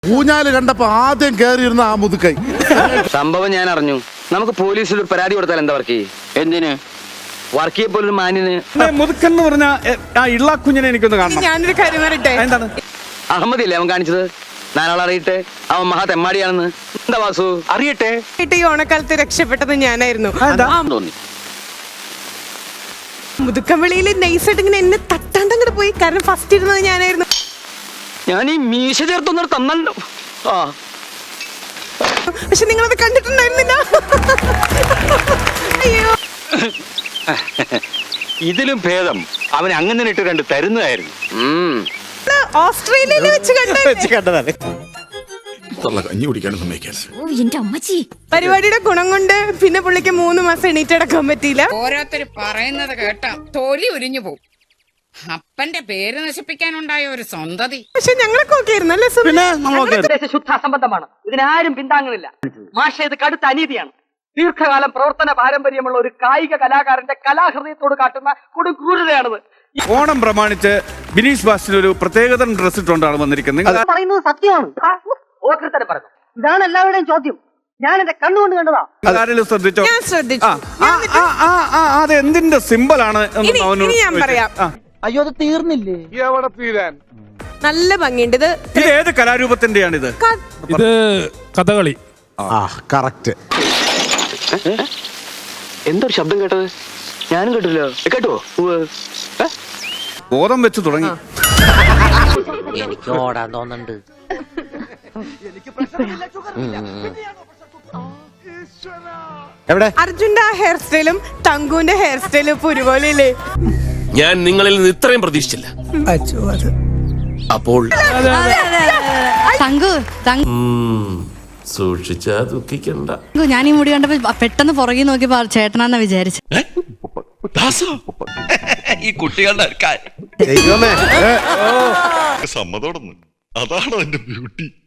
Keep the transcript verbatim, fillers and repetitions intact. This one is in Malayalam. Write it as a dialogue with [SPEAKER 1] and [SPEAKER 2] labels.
[SPEAKER 1] ഊഞ്ഞാല് കണ്ടപ്പോ ആദ്യം കേറിയിരുന്ന ആ മുതുക്കൈ.
[SPEAKER 2] സംഭവം ഞാൻ അറിഞ്ഞു. നമുക്ക് പോലീസിൽ ഒരു പരാതി കൊടുത്താൽ എന്താ വർക്ക്? എന്തിന് വർക്ക് ചെയ്യപ്പോലൊരു മാന്യന്
[SPEAKER 3] മുതുക്കൻ എന്ന് പറഞ്ഞ ആ ഇള്ളാക്കുഞ്ഞിനെ എനിക്കൊന്ന് കാണണം.
[SPEAKER 4] ഞാനൊരു കാര്യം പറയട്ടെ.
[SPEAKER 3] എന്താണ്
[SPEAKER 2] അഹമ്മദില്ലേ അവൻ കാണിച്ചത്? നാനോളെ അറിയട്ടെ, അവൻ മഹാ തെമ്മാടിയാണെന്ന്. എന്താ വാസു അറിയട്ടെ?
[SPEAKER 4] ഈ ഓണക്കാലത്ത് രക്ഷപ്പെട്ടത് ഞാനായിരുന്നു.
[SPEAKER 2] തോന്നി
[SPEAKER 4] മുതുക്കമ്പള്ളിയില് നൈസായിട്ട് ഇങ്ങനെ എന്നെ തട്ടാണ്ട് അങ്ങോട്ട് പോയി. കാരണം ഫസ്റ്റ് ഇരുന്നത് ഞാനായിരുന്നു.
[SPEAKER 2] ഞാൻ ഈ മീശ ചേർത്തൊന്നും തന്നല്ലോ. ആ
[SPEAKER 4] പക്ഷെ നിങ്ങളത് കണ്ടിട്ടുണ്ടായിരുന്നില്ല. അയ്യോ,
[SPEAKER 5] ഇതിലും ഭേദം അവൻ അങ്ങനെ ഇട്ട് കണ്ട് തരുന്നതായിരുന്നു.
[SPEAKER 4] ഓസ്ട്രേലിയയിൽ വെച്ച്
[SPEAKER 3] കണ്ടതാണ്.
[SPEAKER 4] പരിപാടിയുടെ ഗുണം കൊണ്ട് പിന്നെ പുള്ളിക്ക് മൂന്ന് മാസം എണീറ്റടക്കാൻ പറ്റിയില്ല.
[SPEAKER 6] ഓരോരുത്തർ പറയുന്നത് കേട്ടാ തൊലി ഉരിഞ്ഞു പോകും. അപ്പന്റെ പേര് നശിപ്പിക്കാനുണ്ടായ ഒരു സ്വന്തതി.
[SPEAKER 4] പക്ഷെ ഞങ്ങളൊക്കെ ഓക്കെ ആയിരുന്നു അല്ലേ?
[SPEAKER 3] പിന്നെ നമ്മളൊക്കെ
[SPEAKER 7] ശുദ്ധ അസംബന്ധമാണ്. ഇതിനാരും പിന്താങ്ങുന്നില്ല. മാഷ ഇത് കടുത്ത അനീതിയാണ്. ദീർഘകാലം പ്രവർത്തന പാരമ്പര്യമുള്ള ഒരു കായിക കലാകാരന്റെ കലാഹൃദയത്തോട് കാട്ടുന്ന കൊടും ക്രൂരതയാണിത്.
[SPEAKER 3] ഓണം പ്രമാണിച്ച് ബിനീഷ് ബാസ്റ്റിന് ഒരു പ്രത്യേകതരം ഡ്രസ് ഇട്ടുകൊണ്ടാണ് വന്നിരിക്കുന്നത്.
[SPEAKER 7] പറയുന്നത് സത്യമാണ്. ഓക്രിത്തരം പറഞ്ഞു. ഇതാണ് എല്ലാവരുടെയും ചോദ്യം. ഞാൻ എന്റെ കണ്ണുകൊണ്ട് കണ്ടതാ.
[SPEAKER 3] ആരെങ്കിലും ശ്രദ്ധിച്ചോ?
[SPEAKER 4] ഞാൻ ശ്രദ്ധിച്ചു.
[SPEAKER 3] അത് എന്തിന്റെ സിമ്പിൾ ആണ് എന്ന്
[SPEAKER 4] ഇനി-
[SPEAKER 3] അവനോട്
[SPEAKER 4] ഇനി ഞാൻ പറയാം.
[SPEAKER 3] ആ.
[SPEAKER 7] അയ്യോ, അത് തീർന്നില്ലേ?
[SPEAKER 1] എവിടെ തീരാൻ?
[SPEAKER 4] നല്ല ഭംഗിയുണ്ട്. ഇത്
[SPEAKER 3] ഇത് ഏത് കലാരൂപത്തിന്റെയാണിത്?
[SPEAKER 8] ഇത് കഥകളി.
[SPEAKER 1] ആ കറക്റ്റ്.
[SPEAKER 2] എന്തൊരു ശബ്ദം കേട്ടത്? ഞാനും കേട്ടില്ലോ. കേട്ടോ?
[SPEAKER 3] ബോധം വെച്ച് തുടങ്ങി.
[SPEAKER 7] എനിക്ക് ഓടാൻ തോന്നുന്നുണ്ട്.
[SPEAKER 1] എവിടെ?
[SPEAKER 4] അർജുന്റെ ആ ഹെയർ സ്റ്റൈലും തങ്കുവിന്റെ ഹെയർ സ്റ്റൈലും ഇപ്പൊ ഒരുപോലെ ഇല്ലേ?
[SPEAKER 8] ഞാൻ നിങ്ങളിൽ നിന്ന് ഇത്രയും പ്രതീക്ഷിച്ചില്ല. അപ്പോൾ
[SPEAKER 9] തങ്കു തങ്കു
[SPEAKER 8] സൂക്ഷിച്ചാ ദുഃഖിക്കണ്ട.
[SPEAKER 9] ഞാൻ ഈ മുടി കണ്ടപ്പോ പെട്ടെന്ന് പുറകെ നോക്കിയപ്പോ ചേട്ടനാന്നാ വിചാരിച്ചു.
[SPEAKER 8] ഈ കുട്ടികളുടെ
[SPEAKER 1] ദൈവമേ.
[SPEAKER 10] സമ്മതോടൊന്നും അതാണോ എന്റെ ബ്യൂട്ടി.